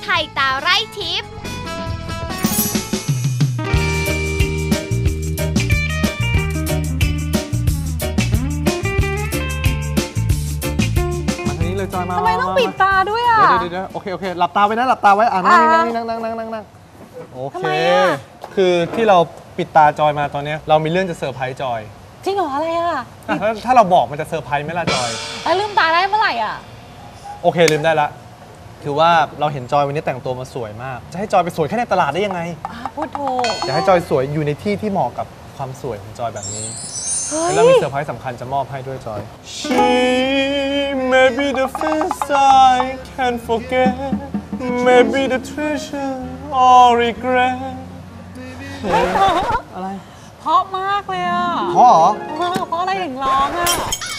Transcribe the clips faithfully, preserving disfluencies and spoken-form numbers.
ไทยตาไร่ทิพย์เลยจอยมาทำไมต้องปิดตาด้วยอ่ะเดี๋ยวเดี๋ยวโอเคโอเคหลับตาไว้นะหลับตาไว้อ่านั่งนั่งนั่งนั่งนั่งนั่งนั่งโอเคคือที่เราปิดตาจอยมาตอนนี้เรามีเรื่องจะเซอร์ไพรส์จอยจริงเหรออะไรอ่ะถ้าเราบอกมันจะเซอร์ไพรส์ไหมล่ะจอยแล้วลืมตาได้เมื่อไหร่อ่ะโอเคลืมได้ละคือว่าเราเห็นจอยวันนี้แต่งตัวมาสวยมากจะให้จอยไปสวยแค่ในตลาดได้ยังไงพูดถูกจะให้จอยสวยอยู่ในที่ที่เหมาะกับความสวยของจอยแบบนี้แล้วมีเซอร์ไพรส์สำคัญจะมอบให้ด้วยจอย She may be the first I can forget maybe the treasure or regret อะไรเพราะมากเลยอ่ะเพราะเหรอเพราะอะไรถึงร้องอ่ะ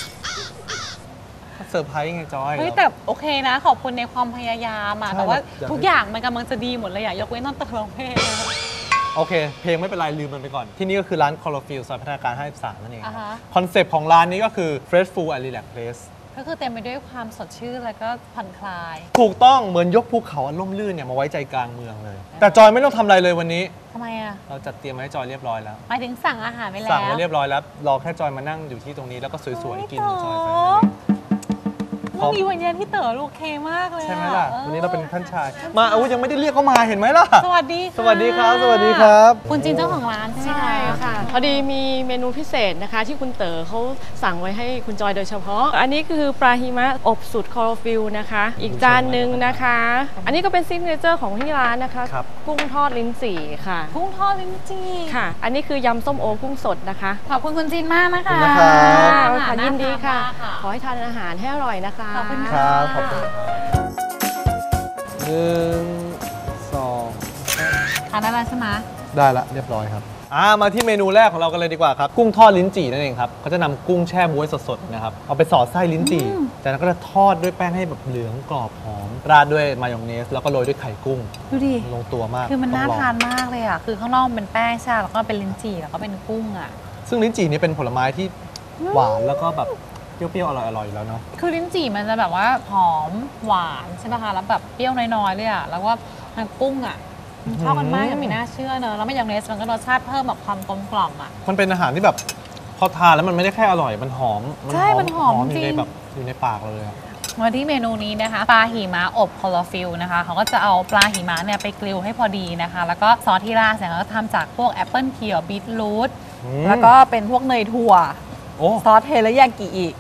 เซอร์ไพรส์ไงจอยเฮ้ยแต่โอเคนะขอบคุณในความพยายามอะแต่ว่าทุกอย่างมันกำลังจะดีหมดเลยอะยกเว้นตอนตะลงเพลงโอเคเพลงไม่เป็นไรลืมมันไปก่อนที่นี่ก็คือร้าน Chlorophyll ซอยพัฒนาการห้าสิบสามนั่นเองคอนเซปต์ของร้านนี้ก็คือ Fresh Food and Relax Place ก็คือเต็มไปด้วยความสดชื่นแล้วก็ผ่อนคลายถูกต้องเหมือนยกภูเขาอันล่มลื่นเนี่ยมาไว้ใจกลางเมืองเลยแต่จอยไม่ต้องทำอะไรเลยวันนี้ทำไมอะเราจัดเตรียมไว้ให้จอยเรียบร้อยแล้วหมายถึงสั่งอาหารไปแล้วสั่งไว้เรียบร้อยแล้วรอแค่จอยมานั่งอยู่ที่ตรงนี้แล้วก็สวยๆกินจอยไปเมื่อกี้วันเย็นที่เต๋อโอเคมากเลยใช่ไหมล่ะวันนี้เราเป็นท่านชายมาเอายังไม่ได้เรียกเขามาเห็นไหมล่ะสวัสดีสวัสดีครับสวัสดีครับคุณจินเจ้าของร้านใช่ไหมค่ะพอดีมีเมนูพิเศษนะคะที่คุณเต๋อเขาสั่งไว้ให้คุณจอยโดยเฉพาะอันนี้คือปลาหิมะอบสูตรคลอโรฟิลนะคะอีกจานหนึ่งนะคะอันนี้ก็เป็นซิกเนเจอร์ของที่ร้านนะคะกุ้งทอดลิ้นจี่ค่ะกุ้งทอดลิ้นจี่ค่ะอันนี้คือยำส้มโอกุ้งสดนะคะขอบคุณคุณจินมากนะคะค่ะยินดีค่ะขอให้ทานอาหารให้อร่อยนะคะขอบคุณค่ะขอบคุณหนึ่งสองทานได้แล้วใช่ไหมได้ละเรียบร้อยครับอ่ามาที่เมนูแรกของเรากันเลยดีกว่าครับกุ้งทอดลิ้นจี่นั่นเองครับเขาจะนำกุ้งแช่บ๊วยสดๆนะครับเอาไปสอดไส้ลิ้นจี่จากนั้นก็จะทอดด้วยแป้งให้แบบเหลืองกรอบหอมราดด้วยมายองเนสแล้วก็โรยด้วยไข่กุ้งดูดิลงตัวมากคือมันน่าทานมากเลยอ่ะคือข้างนอกเป็นแป้งใช่แล้วก็เป็นลิ้นจี่แล้วก็เป็นกุ้งอ่ะซึ่งลิ้นจี่นี่เป็นผลไม้ที่หวานแล้วก็แบบเปรี้ยวๆอร่อยๆอยู่แล้วเนาะคือลิ้นจี่มันจะแบบว่าหอมหวานใช่ไหมคะแล้วแบบเปรี้ยวน้อยๆเลยอ่ะแล้วก็มันกุ้งอ่ะเข้ากันมากยังไม่น่าเชื่อเนอะแล้วมายองเนสมันก็รสชาติเพิ่มแบบความกลมกล่อมอ่ะมันเป็นอาหารที่แบบพอทานแล้วมันไม่ได้แค่อร่อยมันหอมใช่มันหอมจริงอยู่ในแบบอยู่ในปากเราเลยมาที่เมนูนี้นะคะปลาหิมะอบคลอโรฟิลนะคะเขาก็จะเอาปลาหิมะเนี่ยไปกริลให้พอดีนะคะแล้วก็ซอสที่ราดเนี่ยเขาทำจากพวกแอปเปิลเขียวบีทรูทแล้วก็เป็นพวกเนยถั่วซอสเทริยากิอีก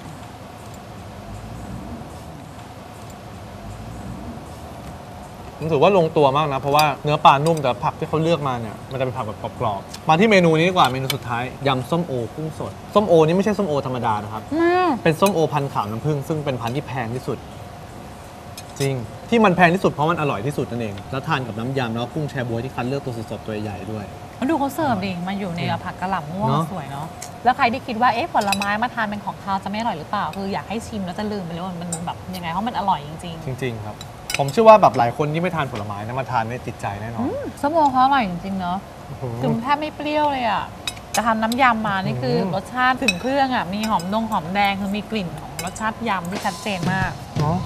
ผมถือว่าลงตัวมากนะเพราะว่าเนื้อปลานุ่มแต่ผักที่เขาเลือกมาเนี่ยมันจะเป็นผักแบบกรอบๆมาที่เมนูนี้ดีกว่าเมนูสุดท้ายยำส้มโอกุ้งสดส้มโอนี่ไม่ใช่ส้มโอธรรมดานะครับเป็นส้มโอพันธุ์ขาวน้ำผึ้งซึ่งเป็นพันธุ์ที่แพงที่สุดจริงที่มันแพงที่สุดเพราะมันอร่อยที่สุดนั่นเองแล้วทานกับน้ำยำแล้วกุ้งแชบ๊วยที่คัดเลือกตัวสดๆตัวใหญ่ด้วยดูเขาเสิร์ฟดิมันอยู่ในผักกะหล่ำม่วงสวยเนาะแล้วใครที่คิดว่าเอ๊ะผลไม้มาทานเป็นของคาวจะไม่อร่อยหรือเปล่าคืออยากให้ชิมแล้วจะลืมไปเลยว่ามันแบบยังไงเพราะมันอร่อยจริงๆจริงๆครับผมเชื่อว่าแบบหลายคนที่ไม่ทานผลไม้นะมาทานเนี่ยติดใจแน่นอนส้มโอเขาอร่อยจริงๆเนาะถึงแทบไม่เปรี้ยวเลยอ่ะจะทำน้ำยำมานี่คือรสชาติถึงเครื่องอ่ะมีหอมนงหอมแดงคือมีกลิ่นของรสชาติยำที่ชัดเจนมากเนาะ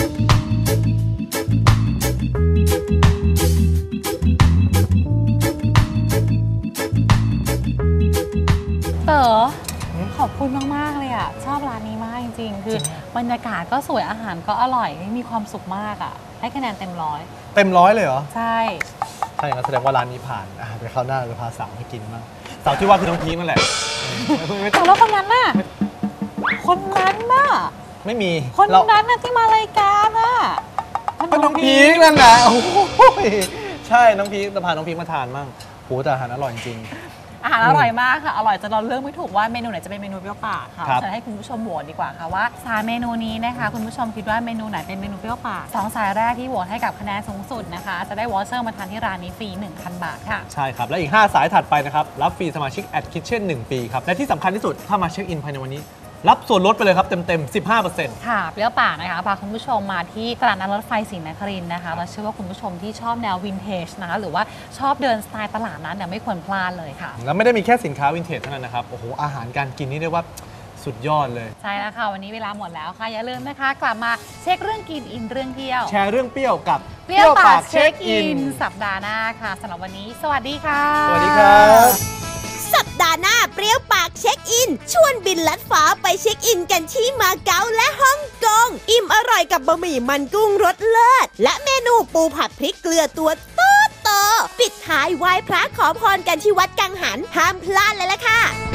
เต๋อขอบคุณมากๆเลยอ่ะชอบร้านนี้มากจริงๆคือบรรยากาศก็สวยอาหารก็อร่อยมีความสุขมากอ่ะให้คะแนนเต็มร้อยเต็มร้อยเลยเหรอใช่ใช่งั้นแสดงว่าร้านนี้ผ่านอ่ะไปคราวหน้าจะพาสาวให้กินบ้างสาวที่ว่าคือน้องพีคนั่นแหละแต่แล้วคนนั้นน่ะคนนั้นน่ะไม่มีคนนั้นน่ะที่มารายการน่ะก็น้องพีคนั่นแหละโอ้ยใช่น้องพีคจะพาน้องพีคมาทานมั่งโหแต่อาหารอร่อยจริงอาหารอร่อยมากค่ะอร่อยจนเราเลือกไม่ถูกว่าเมนูไหนจะเป็นเมนูเปรี้ยวปากค่ะจะให้คุณผู้ชมโหวตดีกว่าค่ะว่าสามเมนูนี้นะคะคุณผู้ชมคิดว่าเมนูไหนเป็นเมนูเปรี้ยวปากสองสายแรกที่โหวตให้กับคะแนนสูงสุดนะคะจะได้วอเชอร์มาทานที่ร้านนี้ฟรี หนึ่งพัน บาทค่ะใช่ครับและอีกห้าสายถัดไปนะครับรับฟรีสมาชิก at kitchen หนึ่งปีครับและที่สำคัญที่สุดถ้ามาเช็คอินภายในวันนี้รับส่วนลดไปเลยครับเต็มๆ สิบห้าเปอร์เซ็นต์ค่ะเปรี้ยวปากนะคะพาคุณผู้ชมมาที่ตลาดนัดรถไฟศรีนครินทร์นะคะเราเชื่อว่าคุณผู้ชมที่ชอบแนววินเทจนะคะหรือว่าชอบเดินสไตล์ตลาดนั้นเนี่ยไม่ควรพลาดเลยค่ะแล้วไม่ได้มีแค่สินค้าวินเทจเท่านั้นนะครับโอ้โหอาหารการกินนี่เรียกว่าสุดยอดเลยใช่แล้วค่ะวันนี้เวลาหมดแล้วค่ะอย่าลืมนะคะกลับมาเช็คเรื่องกินอินเรื่องเที่ยวแชร์เรื่องเปรี้ยวกับเปรี้ยวปากเช็คอินสัปดาห์หน้าค่ะสำหรับวันนี้สวัสดีค่ะสวัสดีครับสัปดาห์หน้าเปรี้ยวปากเช็คอินชวนบินลัดฟ้าไปเช็คอินกันที่มาเก๊าและฮ่องกงอิ่มอร่อยกับบะหมี่มันกุ้งรสเลิศและเมนูปูผัดพริกเกลือตัวโตโตปิดท้ายไหว้พระขอพรกันที่วัดกังหันห้ามพลาดเลยล่ะค่ะ